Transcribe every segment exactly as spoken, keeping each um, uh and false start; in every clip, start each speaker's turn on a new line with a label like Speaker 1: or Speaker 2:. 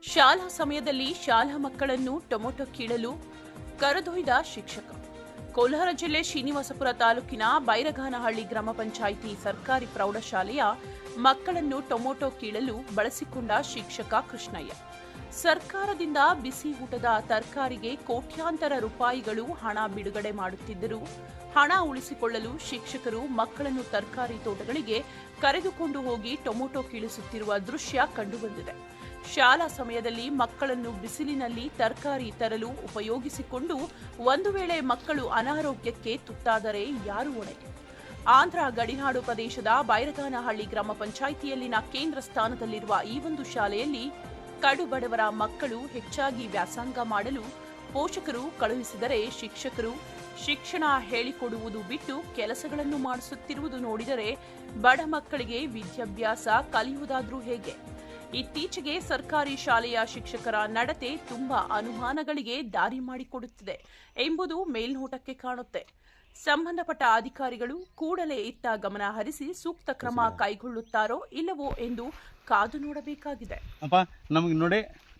Speaker 1: ಶಾಲಾ ಸಮಯದಲ್ಲಿ ಶಾಲಾ ಮಕ್ಕಳನ್ನು ಟೊಮೊಟೊ ಕೀಳಲು ಕರೆದೊಯ್ದ ಶಿಕ್ಷಕ. ಕೋಲಾರ ಜಿಲ್ಲೆ ಶ್ರೀನಿವಾಸಪುರ ತಾಲೂಕಿನ ಬೈರಗಾನಹಳ್ಳಿ ಗ್ರಾಮ ಪಂಚಾಯಿತಿ ಸರ್ಕಾರಿ ಪ್ರೌಢಶಾಲೆಯ ಮಕ್ಕಳನ್ನು ಟೊಮೊಟೊ ಕೀಳಲು ಬಳಸಿಕೊಂಡ ಶಿಕ್ಷಕ ಕೃಷ್ಣಯ್ಯ. ಸರ್ಕಾರದಿಂದ ಬಿಸಿ ಊಟದ ತರಕಾರಿಗೆ ಕೋಟ್ಯಾಂತರ ರೂಪಾಯಿಗಳು ಹಣ ಬಿಡುಗಡೆ ಮಾಡುತ್ತಿದ್ದರೂ ಹಣ ಉಳಿಸಿಕೊಳ್ಳಲು ಶಿಕ್ಷಕರು ಮಕ್ಕಳನ್ನು ತರಕಾರಿ ತೋಟಗಳಿಗೆ ಕರೆದುಕೊಂಡು ಹೋಗಿ ಟೊಮೊಟೊ ಕೀಳಿಸುತ್ತಿರುವ ದೃಶ್ಯ ಕಂಡುಬಂದಿದೆ. ಶಾಲಾ ಸಮಯದಲ್ಲಿ ಮಕ್ಕಳನ್ನು ಬಿಸಿಲಿನಲ್ಲಿ ತರಕಾರಿ ತರಲು ಉಪಯೋಗಿಸಿಕೊಂಡು ಒಂದು ವೇಳೆ ಮಕ್ಕಳು ಅನಾರೋಗ್ಯಕ್ಕೆ ತುತ್ತಾದರೆ ಯಾರು ಹೊಣೆ? ಆಂಧ್ರ ಗಡಿನಾಡು ಪ್ರದೇಶದ ಬೈರಗಾನಹಳ್ಳಿ ಗ್ರಾಮ ಪಂಚಾಯಿತಿಯಲ್ಲಿನ ಕೇಂದ್ರ ಸ್ಥಾನದಲ್ಲಿರುವ ಈ ಒಂದು ಶಾಲೆಯಲ್ಲಿ ಕಡುಬಡವರ ಮಕ್ಕಳು ಹೆಚ್ಚಾಗಿ ವ್ಯಾಸಂಗ ಮಾಡಲು ಪೋಷಕರು ಕಳುಹಿಸಿದರೆ ಶಿಕ್ಷಕರು ಶಿಕ್ಷಣ ಹೇಳಿಕೊಡುವುದು ಬಿಟ್ಟು ಕೆಲಸಗಳನ್ನು ಮಾಡಿಸುತ್ತಿರುವುದು ನೋಡಿದರೆ ಬಡ ಮಕ್ಕಳಿಗೆ ವಿದ್ಯಾಭ್ಯಾಸ ಕಲಿಯುವುದಾದ್ರೂ ಹೇಗೆ? ಇತ್ತೀಚೆಗೆ ಸರ್ಕಾರಿ ಶಾಲೆಯ ಶಿಕ್ಷಕರ ನಡತೆ ತುಂಬಾ ಅನುಮಾನಗಳಿಗೆ ದಾರಿ ಮಾಡಿಕೊಡುತ್ತಿದೆ ಎಂಬುದು ಮೇಲ್ನೋಟಕ್ಕೆ ಕಾಣುತ್ತೆ. ಸಂಬಂಧಪಟ್ಟ ಅಧಿಕಾರಿಗಳು ಕೂಡಲೇ ಇತ್ತ ಗಮನ ಹರಿಸಿ ಸೂಕ್ತ ಕ್ರಮ ಕೈಗೊಳ್ಳುತ್ತಾರೋ ಇಲ್ಲವೋ ಎಂದು ಕಾದು ನೋಡಬೇಕಾಗಿದೆ.
Speaker 2: ನಮಗೆ ನೋಡಿ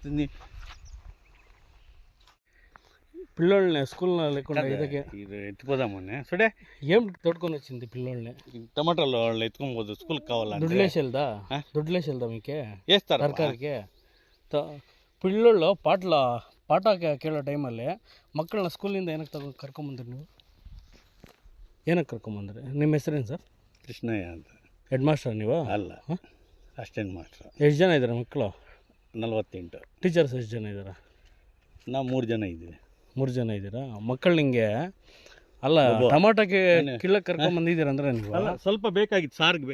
Speaker 3: పిల్లోళ్ళని స్కూల్లో లేకుండా ఇదಕ್ಕೆ
Speaker 2: ఇది ఎత్తుకోదామని సరే
Speaker 3: ఏం తోడుకొని వచ్చింది పిల్లోళ్ళని
Speaker 2: టమాటాలు వాళ్ళు ఎత్తుకోబోదు స్కూల్కి కావాలంటే
Speaker 3: దుడ్లేసి వెళ్దా దుడ్లేసి వెళ్దా మీకే
Speaker 2: వేస్తారు
Speaker 3: ತರಕಾರಿಗೆ ಪಿಳ್ಳೋళ్ళు ಪಾಟ್ಲ ಪಾಠ ಕೇಳೋ ಟೈಮಲ್ಲಿ ಮಕ್ಕಳನ್ನ ಸ್ಕೂಲಿಂದ ಏನಕ್ಕೆ ತಗೊಂಡು ಕರ್ಕೊಂಬಂದ್ರಿ ನೀವು? ಏನಕ್ಕೆ ಕರ್ಕೊಂಬಂದ್ರಿ? ನಿಮ್ಮ ಹೆಸರೇನು ಸರ್?
Speaker 2: ಕೃಷ್ಣಯ್ಯ ಅಂತ.
Speaker 3: ಹೆಡ್ ಮಾಸ್ಟರ್ ನೀವು?
Speaker 2: ಅಲ್ಲ, ಅಸಿಸ್ಟೆಂಟ್ ಮಾಸ್ಟರ್.
Speaker 3: ಎಷ್ಟು ಜನ ಇದ್ದಾರೆ ಮಕ್ಕಳು?
Speaker 2: ನಲ್ವತ್ತೆಂಟು.
Speaker 3: ಟೀಚರ್ಸ್ ಎಷ್ಟು ಜನ ಇದ್ದಾರೆ?
Speaker 2: ನಾವು ಮೂರು ಜನ ಇದ್ದೀವಿ.
Speaker 3: ಮೂರು ಜನ ಇದ್ದೀರಾ? ಮಕ್ಕಳು ನಿಮಗೆ ಅಲ್ಲ ಟಮಾಟೋಕ್ಕೆ ಕೀಳಕ್ಕೆ ಕರ್ಕೊಂಬಂದಿದ್ದೀರ ಅಂದರೆ ನೀವು
Speaker 2: ಸ್ವಲ್ಪ ಬೇಕಾಗಿತ್ತು ಸಾರಿಗೆ.